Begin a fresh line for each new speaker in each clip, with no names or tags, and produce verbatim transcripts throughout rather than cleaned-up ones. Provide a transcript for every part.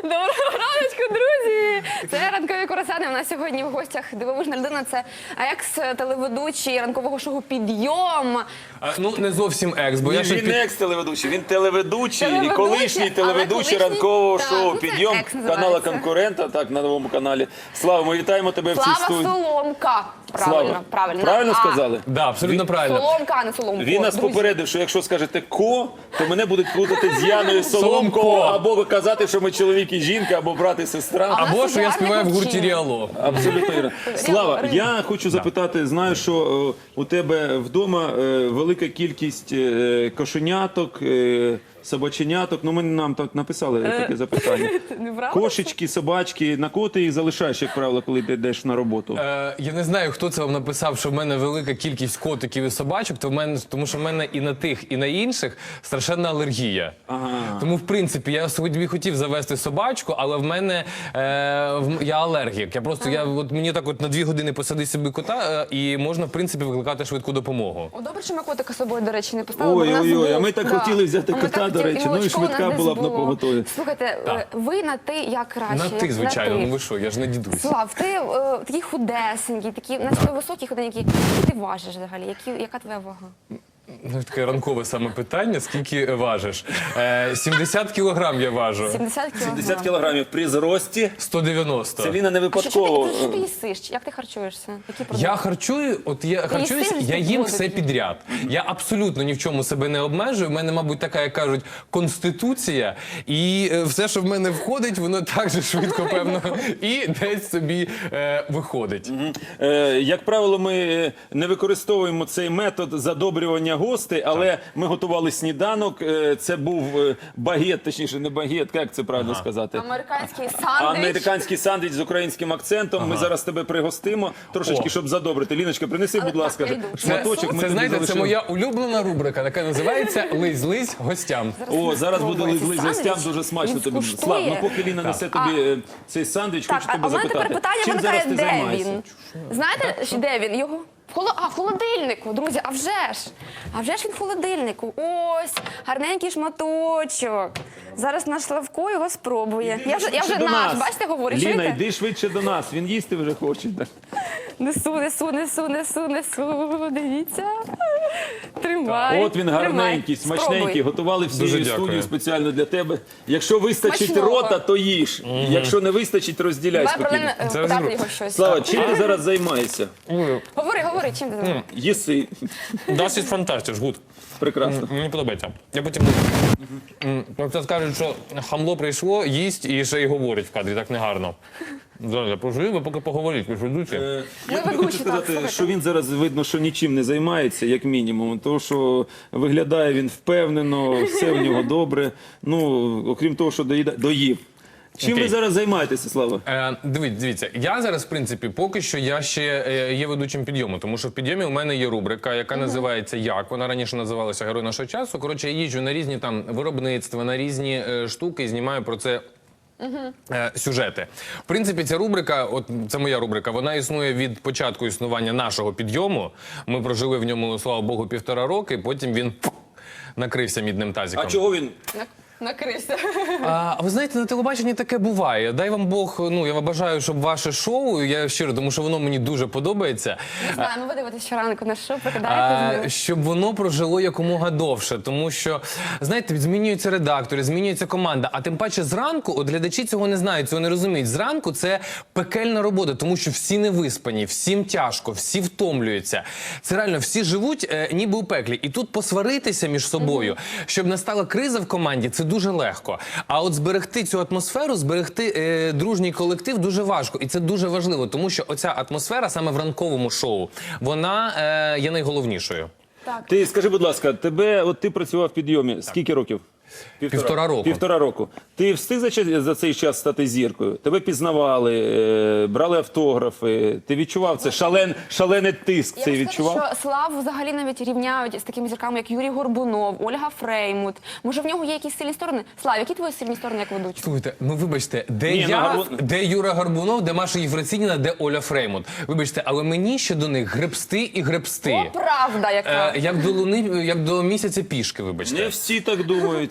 Доброго раночку, друзі! Це ранкові курасани. У нас сьогодні в гостях дивовижна людина. Це екс-телеведучий ранкового шоу «Підйом».
А, ну, не зовсім екс, бо
Він,
я ще
він
під...
не екс-телеведучий, він телеведучий,
Телеведучий,
і колишній
але
телеведучий
колишній-
ранкового
так,
шоу
ну, це
«Підйом»
екс називається.
канала конкурента, так, на новому каналі. Слава, ми вітаємо тебе в цій
Слава
студії.
Соломка. Правильно,
Слава,
правильно.
правильно
А,
сказали?
Да, абсолютно
Він-
правильно.
Соломка, а не Соломко.
Він нас
друзі.
попередив, що якщо скажете «ко», то мене будуть плутати з Яною
Соломко.
Соломко, або казати, що ми чоловік і жінка, або брат і сестра.
А-
Або
нас
що я
гарний
співаю в гурті
хлопчина.
Ріало.
Абсолютно вірно. Слава,
Реально.
я хочу запитати, знаю, що е, у тебе вдома е, велика кількість е, кошеняток, е, собаченяток. Ну, ми нам так написали таке запитання.
Неправда?
Кошечки, собачки, на кого ти їх залишаєш, як правило, коли ти йдеш на роботу?
Е, я не знаю, хто це вам написав, що в мене велика кількість котиків і собачок, то в мене, тому що в мене і на тих, і на інших страшенна алергія.
Ага.
Тому, в принципі, я собі хотів завести собачку, але в мене е, в- я алергік. Я просто, я, от, мені так от на дві години посади собі кота, е, і можна, в принципі, викликати швидку допомогу.
О, добре, що ми котика з собою, до речі, не поставили. бо в нас
Ой-ой-ой, а
був-
ми так
да.
хотіли взяти
А ми
кота,
так
до
хотіли,
речі. Ну і
молочко у нас
швидка
десь
була б на
було.
поготові.
Слухайте, е, ви на ти як краще?
На ти,
як
звичайно,
ти.
ну ви що, я ж не дідусь.
Слав, ти е, такий худесенький, такий, на тебе високий, худенький. Що ти важиш взагалі? Які, яка твоя вага?
Ну, таке ранкове саме питання, скільки важиш? Е, сімдесят кілограм я важу.
сімдесят кілограм.
сімдесят кілограмів при зрості.
сто дев'яносто.
Це Ліна не
А що, що,
випадково.
ти, що ти їсиш? Як ти харчуєшся? Які продукти?
Я харчую, от я харчуюсь,
їсиш
я їм
воду
все
тільки?
підряд. Я абсолютно ні в чому себе не обмежую. У мене, мабуть, така, як кажуть, конституція, і е, все, що в мене входить, воно так же швидко, певно, і десь собі е, виходить.
Е, Як правило, ми е, не використовуємо цей метод задобрювання гостей, але ми готували сніданок. Е, Це був е, багет, точніше, не багет, як це правильно сказати?
Американський сандвіч.
Американський сандвіч з українським акцентом. Ми зараз тебе пригостимо трошечки,
О.
щоб задобрити. Ліночка, принеси,
Але
будь ласка,
так, я йду.
шматочок. Ми
Це,
тобі
знаєте, це
залишили.
моя улюблена рубрика, яка називається «Лизь-лизь гостям».
О, зараз буде
Спробуй.
лизли
Цей
гостям,
сандвіч,
дуже смачно
він
тобі.
скуштує.
Слав, ну поки Ліна несе тобі е, цей сандвіч,
Так,
хочу
а, а
тебе
в мене
запитати.
тепер питання
Чим
виникає,
зараз ти
де
займаєшся?
він? Знаєте, що- де він? Його в холо... а, в холодильнику, друзі, а вже ж. А вже ж він в холодильнику. Ось, гарненький шматочок. Зараз наш Славко його спробує. Я вже, я вже
Швидше до
наш,
нас.
бачите, говорю,
Ліна,
чуєте?
йди швидше до нас, він їсти вже хоче.
Несу, несу, несу, несу, несу, дивіться. Тримай.
От він
тримай.
гарненький, смачненький,
Спробуй.
готували всю
Дуже
студію
дякую.
спеціально для тебе. Якщо вистачить
Смачного.
рота, то їж. Якщо не вистачить, розділяй
Давай
спокійно.
проблеми е,
Це
питати
розумію.
його щось.
Слава, чим ти зараз займаєшся?
Говори, говори, чим ти займаєшся?
Їси.
Досить фантастич, гуд.
Прекрасно.
Мені подобається. Я потім... Просто скажуть, що хамло прийшло, їсть і ще й говорить в кадрі, так негарно. Зараз, поживі, ви поки поговоріть, ви ж ведучі.
Е,
Ми
Я тобі
ведучі,
хочу
так,
сказати,
слухайте.
що він зараз видно, що нічим не займається, як мінімум. Тому що виглядає він впевнено, все в нього добре. Ну, окрім того, що доїда- доїв. Чим
Окей.
ви зараз займаєтеся, Слава?
Е, дивіться, дивіться, я зараз, в принципі, поки що я ще е, є ведучим підйому, тому що в підйомі у мене є рубрика, яка називається «Як?». Вона раніше називалася «Герой нашого часу». Коротше, я їжджу на різні там виробництва, на різні е, штуки і знімаю про це е, сюжети. В принципі, ця рубрика, от це моя рубрика, вона існує від початку існування нашого підйому. Ми прожили в ньому, слава Богу, півтора роки, потім він накрився мідним тазиком.
А чого він?
На- Накрився.
А ви знаєте, на телебаченні таке буває. Дай вам Бог, ну я вам бажаю, щоб ваше шоу, я щиро, тому що воно мені дуже подобається,
Не знаю, ми ви дивитесь щоранку на що, прикидаєте з
а,
ним.
щоб воно прожило якомога довше. Тому що, знаєте, змінюються редактори, змінюється команда. А тим паче зранку, от глядачі цього не знають, цього не розуміють. Зранку це пекельна робота, тому що всі не виспані, всім тяжко, всі втомлюються. Це реально, всі живуть е, ніби у пеклі. І тут посваритися між собою, щоб настала криза в команді, це дуже легко. А от зберегти цю атмосферу, зберегти е, дружній колектив дуже важко. І це дуже важливо, тому що оця атмосфера саме в ранковому шоу, вона е, є найголовнішою.
Ти скажи, будь ласка, тебе, от ти працював в підйомі. Скільки років?
Півтора року.
Півтора року. Ти встиг за, час- за цей час стати зіркою? Тебе пізнавали, е, брали автографи. Ти відчував це? Шален, шалений тиск
Я
цей
вам скажу,
відчував?
що Славу взагалі навіть рівняють з такими зірками, як Юрій Горбунов, Ольга Фреймут. Може, в нього є якісь сильні сторони? Слав, які твої сильні сторони як ведучого?
Слухайте, ну вибачте, де
Ні, ну,
я,
Гарбун-
де Юра Горбунов, де Маша Єфросиніна, де Оля Фреймут. Вибачте, але мені ще до них гребсти і гребсти.
О, правда яка!
Е, як до луни, як до місяця пішки, вибачте.
Не всі так думають.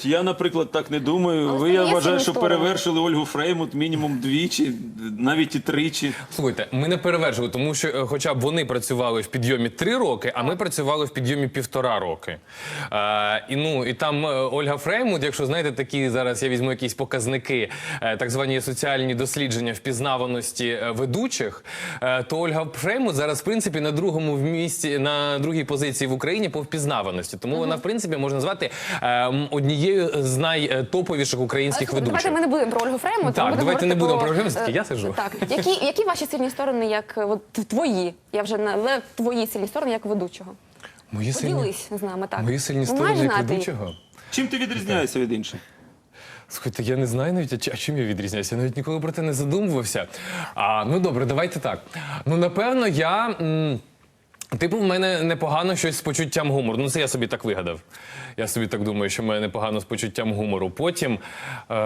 От я, наприклад, так не думаю.
Але
Ви,
це
я
є
вважаю,
сильні
що
сторони.
перевершили Ольгу Фреймут мінімум двічі, навіть і тричі.
Слухайте, ми не перевершили, тому що е, хоча б вони працювали в підйомі три роки, а ми працювали в підйомі півтора роки. Е, і, ну, і там е, Ольга Фреймут, якщо знаєте, такі зараз я візьму якісь показники, е, так звані соціальні дослідження впізнаваності е, ведучих, е, то Ольга Фреймут зараз, в принципі, на другому в місці, на другій позиції в Україні по впізнаваності. Тому вона, в принципі, можна назвати е, м, однією з найтоповіших українських
Але,
ведучих.
Давайте ми не будемо про Ольгу Фреймут.
Так,
ми
давайте не
говорити
будемо
про,
про Ольгу Фреймут,
е,
я сиджу.
Так, які, які ваші сильні сторони, як е, от, твої, я вже не, але твої сильні сторони, як ведучого?
Мої сильні,
Поділись з нами, так.
мої сильні
Ви
сторони
маєш
як
знати їх?
ведучого?
Чим ти відрізняєшся від інших?
Слухайте, я не знаю навіть, а чи- а чим я відрізняюся. Я навіть ніколи про це не задумувався. А, ну добре, давайте так. Ну, напевно, я. М, Типу, в мене непогано щось з почуттям гумору. Ну, це я собі так вигадав. Я собі так думаю, що в мене непогано з почуттям гумору. Потім. Е,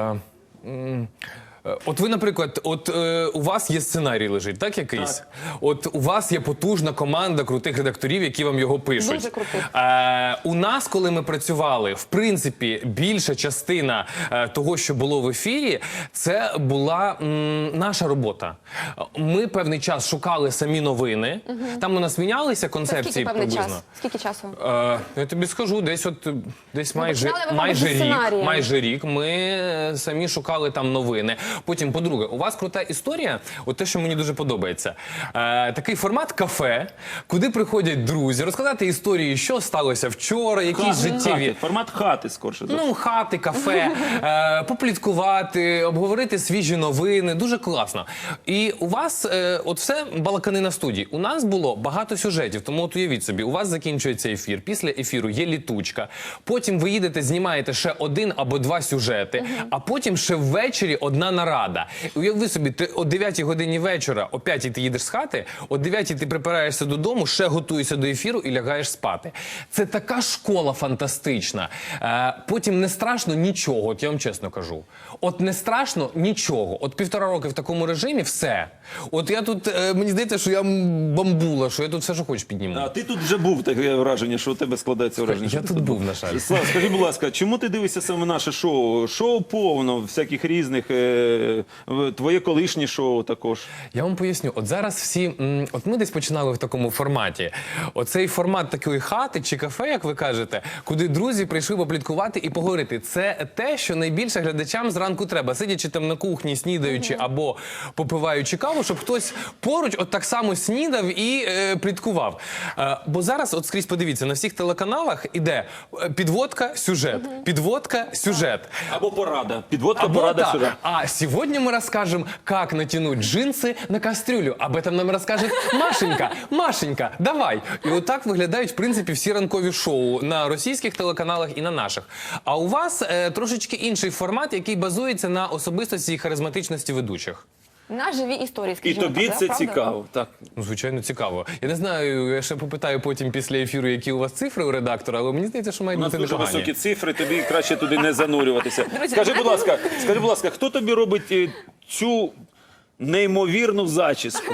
м, е, От ви, наприклад, от е, у вас є сценарій лежить, так якийсь? От у вас є потужна команда крутих редакторів, які вам його пишуть.
Дуже крутих.
Е, у нас, коли ми працювали, в принципі, більша частина е, того, що було в ефірі, це була м, наша робота. Ми певний час шукали самі новини. Там у нас мінялися
Це
концепції
скільки певний
приблизно.
час? Скільки часу?
Е, я тобі скажу, десь от е, десь майже,
починали ви,
майже
мабуть, зі
рік.
сценарієм.
Майже рік ми е, самі шукали там новини. Потім, по-друге, у вас крута історія, от те, що мені дуже подобається. Е, такий формат кафе, куди приходять друзі, розказати історії, що сталося вчора, якісь
Хати,
життєві.
формат хати, скорше. за все.
Ну, хати, кафе, е, попліткувати, обговорити свіжі новини. Дуже класно. І у вас е, от все балаканина в студії. У нас було багато сюжетів, тому от уявіть собі, у вас закінчується ефір, після ефіру є літучка, потім ви їдете, знімаєте ще один або два сюжети, а потім ще ввечері одна нарада. Уяви собі, ти о дев'ятій годині вечора, о п'ятій ти їдеш з хати, о дев'ятій ти припираєшся додому, ще готуєшся до ефіру і лягаєш спати. Це така школа фантастична. Е, потім не страшно нічого, от я вам чесно кажу. От не страшно нічого. От півтора роки в такому режимі все. От я тут, е, мені здається, що я м, бамбула, що я тут все, що хочеш підніму.
А ти тут вже був, таке враження, що у тебе складається враження. що
Я
ти
тут був, на жаль.
Слав, скажи, будь ласка, чому ти дивишся саме наше шоу? Шоу повно всяких різних, е, в- твоє колишнє шоу також.
Я вам поясню, от зараз всі, м, от ми десь починали в такому форматі. Оцей формат такої хати чи кафе, як ви кажете, куди друзі прийшли попліткувати і поговорити. Це те, що найбільше глядачам зранку треба. Сидячи там на кухні, снідаючи або попиваючи каву, щоб хтось поруч от так само снідав і е, пліткував. Е, бо зараз, от скрізь подивіться, на всіх телеканалах іде е, підводка, сюжет, підводка, сюжет.
Або порада. Підводка,
Або
порада
так.
сюди.
А сегодня мы расскажем, как натянуть джинсы на кастрюлю. Об этом нам розкаже Машенька. Машенька, давай. І отак виглядають, в принципі, всі ранкові шоу на російських телеканалах і на наших. А у вас е, трошечки інший формат, який базується на особистості і харизматичності ведучих.
На живі історії,
І
скажімо
тобі
так,
це
да, правда?
цікаво. Так.
Ну, звичайно, цікаво. Я не знаю, я ще попитаю потім після ефіру, які у вас цифри у редактора, але мені здається, що
У
мають
нас
бути
дуже
непогані.
високі цифри, тобі краще туди не занурюватися.
Друзі,
Скажи,
а
будь ласка, скажи, будь ласка, хто тобі робить е, цю неймовірну зачіску?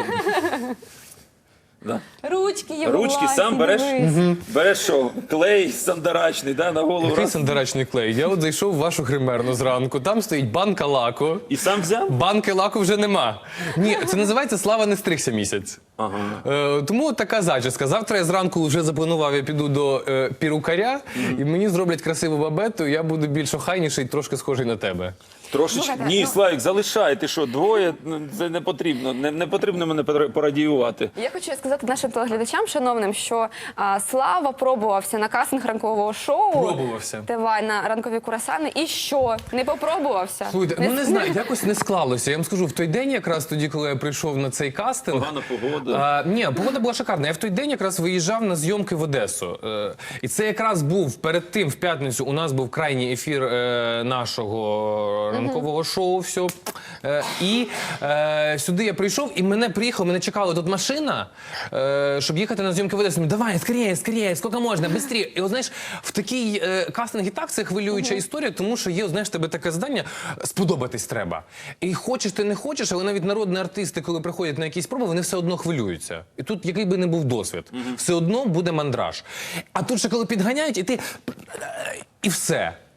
Да.
Ручки є.
Ручки
власні,
сам береш?
дивись.
Береш що? Клей сандарачний, да, на голову
Який
раз,
сандарачний клей? Я от зайшов в вашу гримерну зранку, там стоїть банка лаку.
і сам взяв?
Банки лаку вже нема. Ні, це називається «Слава не стригся місяць».
Ага.
Е, тому от така зачіска. Завтра я зранку вже запланував, я піду до е, пірукаря, і мені зроблять красиву бабету, я буду більш охайніший, трошки схожий на тебе.
Трошечки.
Слухайте,
Ні,
ну-
Славік, залишай. Ти що, двоє? Ну, це не потрібно. Не, не потрібно мене пора- порадіювати.
Я хочу сказати нашим телеглядачам, шановним, що а, Слава пробувався на кастинг ранкового шоу.
Пробувався.
Тивай на ранкові курасани. І що? Не попробувався?
Слухайте, ну не знаю, якось не склалося. Я вам скажу, в той день якраз тоді, коли я прийшов на цей кастинг...
Погана погода.
А, ні, погода була шикарна. Я в той день якраз виїжджав на зйомки в Одесу. Е, і це якраз був перед тим, в п'ятницю, у нас був крайній ефір е, нашого ранкового шоу. Все. Е, і е, сюди я прийшов, і мене приїхав, мене чекала тут машина, е, щоб їхати на зйомки в Одесу. Думаю, давай, скоріше, скоріше, скільки можна, швидше. І от, знаєш, в такий е, кастинг і так це хвилююча історія, тому що є, знаєш, тебе таке завдання, сподобатись треба. І хочеш ти не хочеш, але навіть народні артисти, коли приходять на якісь проби, вони все одно хвилюються. І тут, який би не був досвід, все одно буде мандраж. А тут ще коли підганяють, і ти... І все.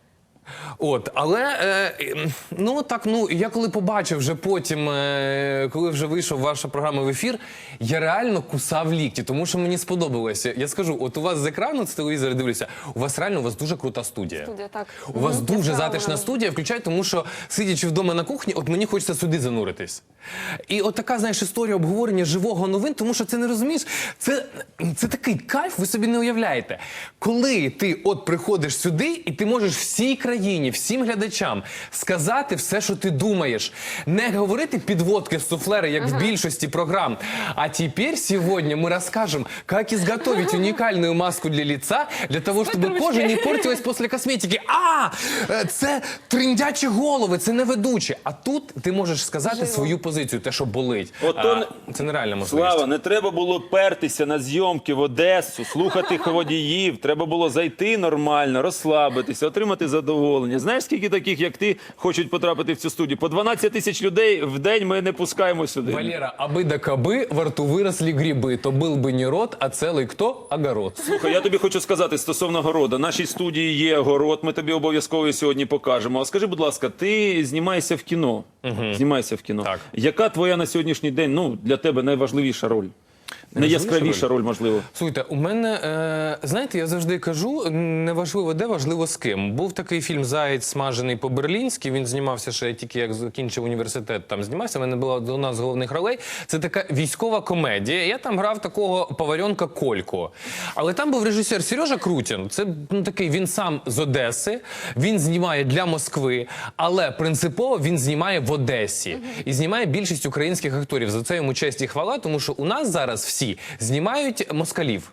От, але е, ну так, ну я коли побачив вже потім, е, коли вже вийшов ваша програма в ефір, я реально кусав лікті, тому що мені сподобалося. Я скажу, от у вас з екрану з телевізора дивлюся, у вас реально у вас дуже крута студія.
Студія, так.
У вас
Мгм.
дуже
Яскрава
затишна
вона.
студія, включай, тому що сидячи вдома на кухні, от мені хочеться сюди зануритись. І от така, знаєш, історія обговорення живого новин, тому що це не розумієш, це, це такий кайф, ви собі не уявляєте. Коли ти от приходиш сюди, і ти можеш всій країні, всім глядачам сказати все, що ти думаєш. Не говорити підводки з суфлера, як в більшості програм. А тепер сьогодні ми розкажемо, як изготовить уникальную маску для лица, для того, щоб кожа не портилась після косметики. А, е, це триндячі голови, це не ведучі. А тут ти можеш сказати свою позицію, те, що болить.
Ото
А, це нереальна можливість.
Слава, не треба було пертися на зйомки в Одесу, слухати водіїв. Треба було зайти нормально, розслабитися, отримати задоволення. Знаєш, скільки таких, як ти, хочуть потрапити в цю студію? По дванадцять тисяч людей в день ми не пускаємо сюди.
Валера, аби да каби, во рту виросли гриби, то был би не рот, а цілий хто? Огород.
Слухай, я тобі хочу сказати стосовно города. В нашій студії є город, ми тобі обов'язково сьогодні покажемо. А скажи, будь ласка, ти знімаєшся в кіно. Знімаєшся в кіно.
Так.
Яка твоя на сьогоднішній день, ну, для тебе найважливіша роль? Найяскравіша роль, можливо.
Слухайте, у мене, е, знаєте, я завжди кажу, неважливо де, важливо з ким. Був такий фільм «Заєць смажений по-берлінськи», він знімався ще тільки як закінчив університет, там знімався, в мене була одна з головних ролей. Це така військова комедія, я там грав такого поваренка Колько. Але там був режисер Сережа Крутін, це ну, такий, він сам з Одеси, він знімає для Москви, але принципово він знімає в Одесі. І знімає більшість українських акторів. За це йому честь і хвала, тому що у нас зараз всі знімають москалів.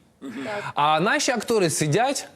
А наші актори сидять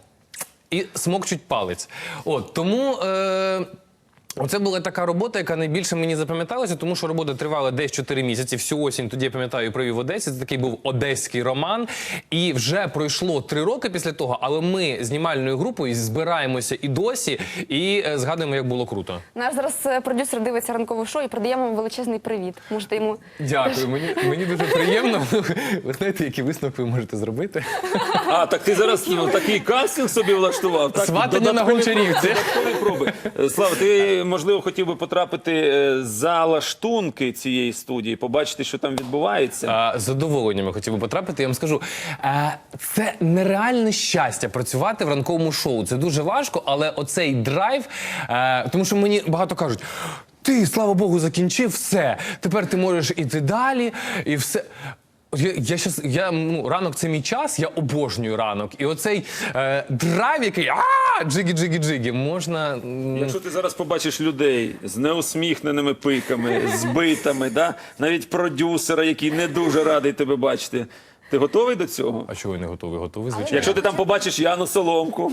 і смокчуть палець. От, тому... Е Оце була така робота, яка найбільше мені запам'яталася, тому що робота тривала десь чотири місяці. Всю осінь тоді, я пам'ятаю, провів в Одесі. Це такий був одеський роман. І вже пройшло три роки після того, але ми знімальною групою збираємося і досі, і е, згадуємо, як було круто.
Наш зараз е, продюсер дивиться ранкове шоу і передаємо вам величезний привіт. Можете йому...
Дякую, мені, мені дуже приємно. Ви знаєте, які висновки ви можете зробити?
А, так ти зараз ну, такий кастинг собі влаштував? Так?
Сватання на
Додаткові-
Гончарівці.
Додаткові проби. Е, Слава, ти, можливо, хотів би потрапити е, за лаштунки цієї студії, побачити, що там відбувається?
А, з задоволенням я хотів би потрапити. Я вам скажу, е, це нереальне щастя працювати в ранковому шоу. Це дуже важко, але оцей драйв, е, тому що мені багато кажуть, ти, слава Богу, закінчив все, тепер ти можеш іти далі, і все. Я, я щас, я, ну, ранок – це мій час, я обожнюю ранок. І оцей е, драйв, який а джигі-джигі-джигі, можна... м,
Якщо ти зараз побачиш людей з неусміхненими пиками, збитими, да? навіть продюсера, який не дуже радий тебе бачити, ти готовий до цього?
А чого я не готовий? Готовий, звичайно.
Якщо ти там побачиш Яну Соломку,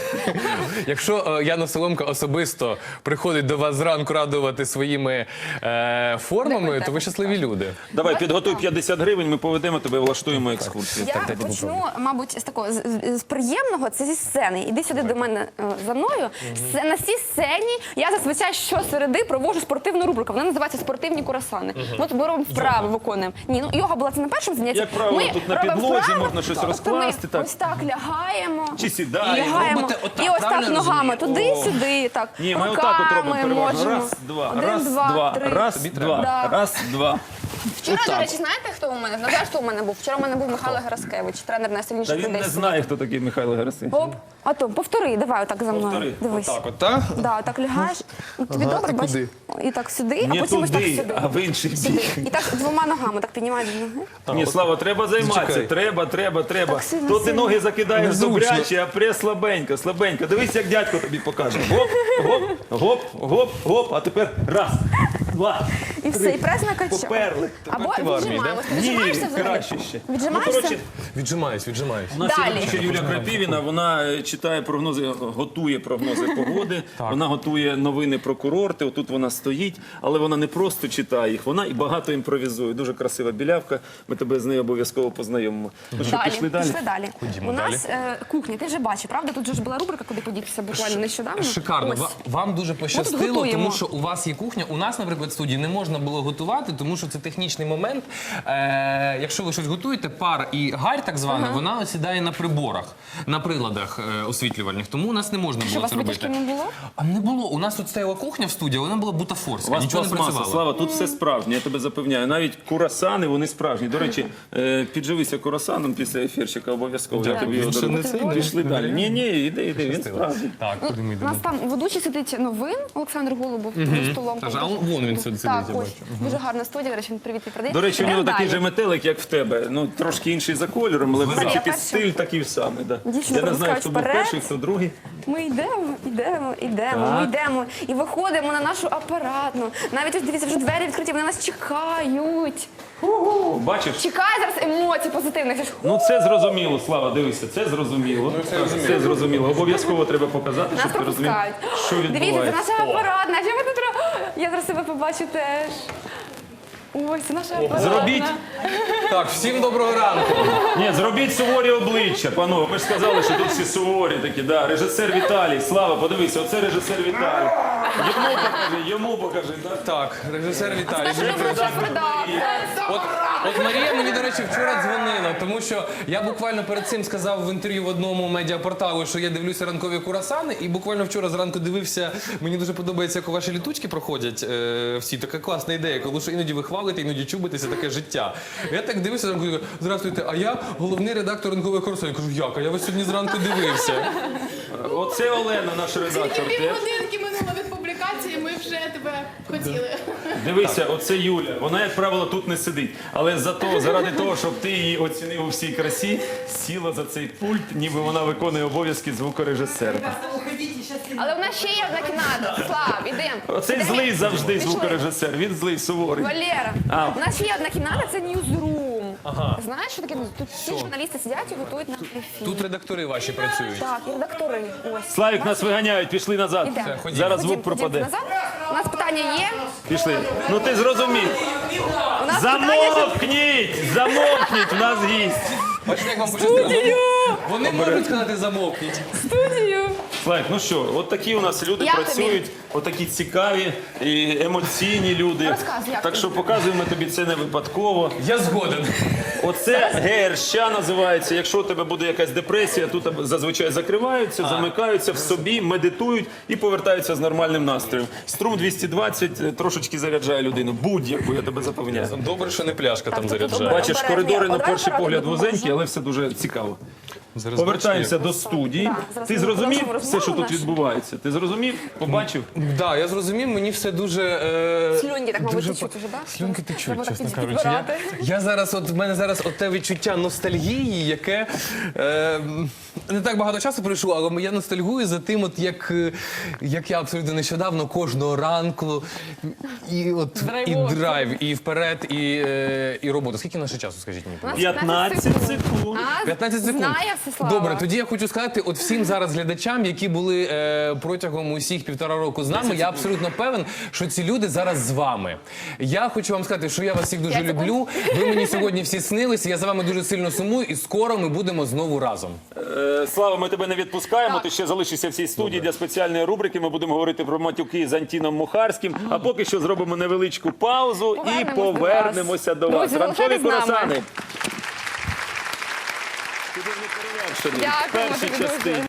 Якщо е, Яна Соломка особисто приходить до вас зранку радувати своїми е, формами, то ви щасливі люди.
давай, підготуй п'ятдесят гривень, ми поведемо тебе, влаштуємо екскурсію.
Я почну, мабуть, з такого з, з приємного, це зі сцени. Іди сюди до мене е, за мною. С- На цій сцені я зазвичай щосереди проводжу спортивну рубрику. Вона називається «Спортивні курасани». От ми робимо вправи, виконуємо. Ні, ну йога була це на першому занятті.
Як правило,
Ми
тут на
робимо
підлозі
вправи,
можна щось
тобто
розкласти,
Ми
так.
ось так лягаємо.
Чи сідаємо.
Лягаємо.
Робите отак,
І ось
правильно
так ногами
розумію?
туди-сюди, так.
Ні, ми отак от робимо
Руками
переважно.
можемо.
Раз, два,
Один,
раз,
два,
два,
три.
раз,
Тобі
два,
треба.
раз, два.
Вчора, до речі, знаєте, хто у мене? Знаєте, хто у мене був? Вчора у мене був Михайло Гераскевич, тренер
Та
найсильніших
він
людей.
не
світу.
знає, хто такий Михайло Герасимов.
Оп, а то, повтори, давай отак за мною.
Повтори.
Дивись.
Так, от, так?
Да, так лягаєш. Ну, тобі добре,
і
бачиш?
куди?
І так сюди,
Не
а потім ось так
туди,
сюди.
а в інший
Сюди.
бік.
І так двома ногами так піднімаєш ноги.
Ні, Слава, треба займатися.
Зачекай.
Треба, треба, треба.
Так сильно,
То ти
сильно.
ноги закидаєш
Незручно.
добряче, а прес слабенько, слабенько. Дивись, як дядько тобі покаже. Гоп, гоп, гоп, гоп, гоп. А тепер раз, два,
І все, і прес накачав.
поперли.
Або
ти в армії,
віджимаємося.
Ні,
Віджимаєшся взагалі?
краще ще.
Віджимаєшся?
Ну, коротше,
Віджимаюсь, віджимаюсь.
у нас
Далі.
є ще Юля Крапівіна, вона е, читає прогнози, готує прогнози погоди, вона готує новини про курорти, отут вона стоїть, але вона не просто читає їх, вона і багато імпровізує. Дуже красива білявка, ми тебе з нею обов'язково познайомимо. Ну що,
Далі,
пішли далі?
пішли далі.
Ходімо
У нас е, кухня, ти вже бачив, правда? Тут же ж була рубрика, куди подітися буквально нещодавно.
Шикарно.
Ось.
Ва- Вам дуже
тут
пощастило,
готуємо.
тому що у вас є кухня. У нас, наприклад, в студії не можна можна було готувати, тому що це технічний момент. Е, якщо ви щось готуєте, пар і гарь, так звана, вона осідає на приборах, на приладах е, освітлювальних. Тому у нас не можна
Що, у
було
вас
це робити.
витяжки не було?
А не було. У нас тут стояла кухня в студії, вона була
У
бутафорська,
вас
нічого не
пластмаса,
працювало.
Слава, тут все справжнє, я тебе запевняю. Навіть курасани, вони справжні. До речі, е, підживися курасаном після ефірчика обов'язково. Я
Дякую.
тобі його
Він ще
дарую.
не цей,
Пішли
не
далі.
варіант?
Ні, ні, іди, іди, він справжній.
Так, куди ми
У
йдемо?
нас там ведучий сидить новин Олександр Голубов за столом.
Та ж, а он- вон він сидить,
Так,
я
ось.
бачу.
Дуже гарна студія, до речі, він привіт передає.
До речі, у нього
Йдемо
такий
далі.
же метелик, як в тебе. Ну, трошки інший за кольором, але в
Марія,
принципі
перша.
стиль такий самий. Да.
Дівчина
Я не знаю,
пропускають
хто був
вперед.
перший, хто другий.
Ми йдемо, йдемо, йдемо, ми
Так.
йдемо і виходимо на нашу апаратну. Навіть ось дивіться, вже двері відкриті, вони нас чекають.
О, бачиш?
Чекає зараз емоцій позитивних. Це ж,
Ну це зрозуміло, Слава, дивися, це зрозуміло. Це зрозуміло. Обов'язково треба показати,
Нас
щоб ти розумів,
пропускають.
що
Дивіться, це
відбувається.
наша апаратна. Що ми тут робимо? Я зараз себе побачу теж. Ось, це наша апаратна.
Зробіть,
Так, всім доброго ранку.
ні, зробіть суворі обличчя, панове. Ми ж сказали, що тут всі суворі такі. Да. Режисер Віталій, Слава, подивися, оце режисер Віталій. Йому покажи, йому покажи. Так?
Так, режисер Віталій.
Наша робоча редакція.
От, от Марія мені, до речі, вчора дзвонила, тому що я буквально перед цим сказав в інтерв'ю в одному медіапорталу, що я дивлюся ранкові курасани, і буквально вчора зранку дивився, мені дуже подобається, як ваші літучки проходять е, всі. Така класна ідея, коли що іноді ви хвалите, іноді чубитеся, таке життя. Я так дивився, зранку, кажу, здравствуйте, а я головний редактор ранкових курасанів. Я кажу, як? А я вас сьогодні зранку дивився.
Оце Олена, наш редактор.
Тільки
теж.
півгодинки минуло від публікації, ми вже тебе хотіли.
Дивися, оце Юля. Вона, як правило, тут не сидить. Але зато, заради того, щоб ти її оцінив у всій красі, сіла за цей пульт, ніби вона виконує обов'язки звукорежисера.
Але в нас ще є одна кімната. Слав, ідемо.
Оцей
Ідемо.
злий завжди
Пішли.
звукорежисер. Він злий, суворий.
Валера,
А.
у нас ще є одна кімната, це ньюзрум. Знаєш, що таке? Тут всі журналісти сидять і готують нам ефір.
Тут редактори ваші працюють.
Так, і редактори. Ось.
Славік, нас виганяють, пішли назад.
Ідемо.
Все, ходімо.
Зараз
Ходім,
звук пропаде.
ходім назад. У нас питання є.
Пішли. Ну ти зрозумів.
У нас питання, що...
Замовкніть! Замовкніть, в нас гість.
Бачите, як вам пощастило? Вони можуть сказати замовкніть.
студію.
Слайк, ну що, от такі у нас люди
Як
працюють, от такі цікаві і емоційні люди.
Розказуй, як
Так
тобі?
що показуємо тобі це не випадково.
Я згоден.
Оце ГРЩ називається. Якщо у тебе буде якась депресія, тут зазвичай закриваються, замикаються в собі, медитують і повертаються з нормальним настроєм. Струм двісті двадцять трошечки заряджає людину. Будь-яку, я тебе запевняю.
Добре, що не пляшка там
тут
заряджає.
Бачиш,
Обережно,
коридори на
обережно,
перший
ради
погляд
допоможу.
вузенькі, але все дуже цікаво.
Зараз
Повертаємося до студії.
Так, зараз
Ти
ми
зрозумів
продовжимо
все, що
розмову
тут
нашу.
відбувається? Ти зрозумів? Побачив?
Так, да, я зрозумів, мені все дуже. Е...
Слюнки так, мабуть,
дуже
течуть
по-
уже, да?
Слюнки течуть,
Треба так
чесно
під-
кажучи. Я,
підбирати.
я зараз, от в мене зараз от те відчуття ностальгії, яке е, не так багато часу пройшло, але я ностальгую за тим, от як, е, як я абсолютно нещодавно кожного ранку і от і
Драйвово.
драйв, і вперед, і, е, і робота. Скільки наше часу, скажіть мені?
У нас
п'ятнадцять секунд.
А,
п'ятнадцять секунд.
Знає все, Слава.
Добре, тоді я хочу сказати, от всім зараз глядачам, які були е, протягом усіх півтора року з нами, я абсолютно певен, що ці люди зараз з вами. Я хочу вам сказати, що я вас всіх дуже
П'ять секунд.
люблю. Ви мені сьогодні всі снилися, я за вами дуже сильно сумую, і скоро ми будемо знову разом.
Е, Слава, ми тебе не відпускаємо. Ти ще залишишся в цій студії для спеціальної рубрики. Ми будемо говорити про матюки з Антіном Мухарським. А поки що зробимо невеличку паузу і
Повернемось до вас.
повернемося до вас.
Друзі,
Ранкові
залишайтесь з нами.
курасани. Ти ж не перевершений в
Дякуємо
першій
тобі дуже.
частині.